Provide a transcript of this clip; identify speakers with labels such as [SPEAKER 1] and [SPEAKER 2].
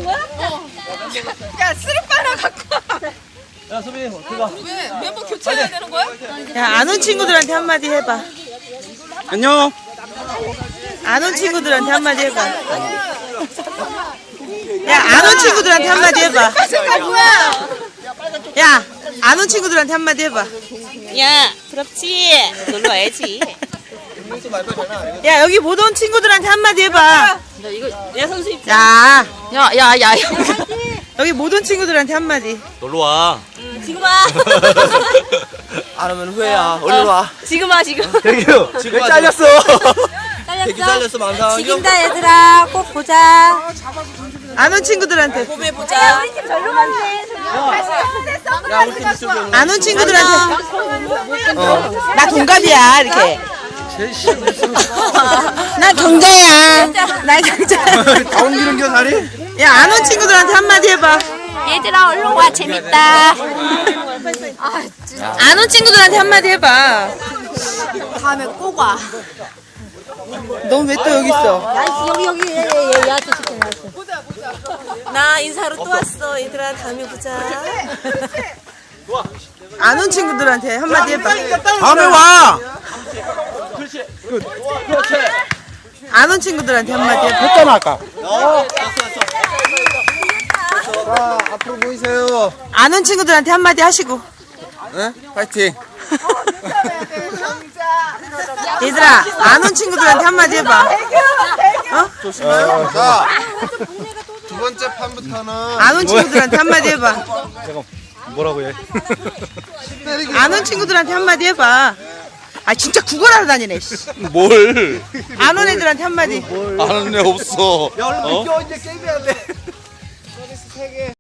[SPEAKER 1] 거야?
[SPEAKER 2] 야, 스르바나 갖고 와.
[SPEAKER 3] 야, 소빈이, 들어가.
[SPEAKER 2] 왜? 멤버 교체해야 되는 거야?
[SPEAKER 1] 야, 안 온 친구들한테 한마디 해봐.
[SPEAKER 3] 안녕.
[SPEAKER 1] 안 온 친구들한테 한마디 해봐. 야, 안 온 친구들한테 한마디 해봐.
[SPEAKER 2] 스르바 뭐야?
[SPEAKER 1] 야, 안 온 친구들한테 한마디 해봐.
[SPEAKER 4] 야, 부럽지? 놀러 와야지.
[SPEAKER 1] 야, 여기 못 온 친구들한테 한마디 해봐.
[SPEAKER 4] 너 이거 내 선수 입.
[SPEAKER 1] 야,
[SPEAKER 4] 야.
[SPEAKER 1] 여기 못 온 친구들한테 한마디.
[SPEAKER 3] 놀러 와.
[SPEAKER 4] 지금 와.
[SPEAKER 3] 안 오면 후회야. 얼른 와.
[SPEAKER 4] 지금 와 지금.
[SPEAKER 3] 대규, 지금 잘렸어. 대규 잘렸어, 망상.
[SPEAKER 4] 지긴다 얘들아. 꼭 보자.
[SPEAKER 1] 안 온 친구들한테.
[SPEAKER 4] 봄에 보자.
[SPEAKER 2] 우리 팀 절로 갔네.
[SPEAKER 3] 야, 우리 팀 이쪽에.
[SPEAKER 1] 안 온 친구들한테. 나 동갑이야, 이렇게. 나 경자야. 나 경자.
[SPEAKER 3] 다 옮기는 겨, 다리?
[SPEAKER 1] 야, 안 온 친구들한테 한마디 해봐.
[SPEAKER 4] 얘들아 얼른 와 재밌다.
[SPEAKER 1] 안 온 친구들한테 한마디 해봐.
[SPEAKER 4] 다음에 꼭 와.
[SPEAKER 1] 넌 왜 또 여기 있어?
[SPEAKER 4] 여기 얘한테 시켜놨어. 나 인사로 또 왔어. 얘들아 다음에 보자.
[SPEAKER 1] 안 온 친구들한테 한마디 해봐.
[SPEAKER 3] 다음에 와.
[SPEAKER 1] 안 온 친구들한테 한마디 해봐.
[SPEAKER 3] 했잖아, 아까. 자, 앞으로 보이세요.
[SPEAKER 1] 안 온 친구들한테 한마디 하시고.
[SPEAKER 3] 네? 파이팅.
[SPEAKER 1] 얘들아, 안 온 친구들한테 한마디 해봐.
[SPEAKER 3] 조심해요. 자, 두 번째 판부터는.
[SPEAKER 1] 안 온 친구들한테 한마디 해봐.
[SPEAKER 3] 잠깐, 뭐라고 해?
[SPEAKER 1] 안 온 친구들한테 한마디 해봐. 아, 진짜 구걸하러 다니네, 씨.
[SPEAKER 3] 뭘?
[SPEAKER 1] 안 온 애들한테 한마디.
[SPEAKER 3] 아는 애 없어. 야, 얼른 껴, 이제 게임해야 돼.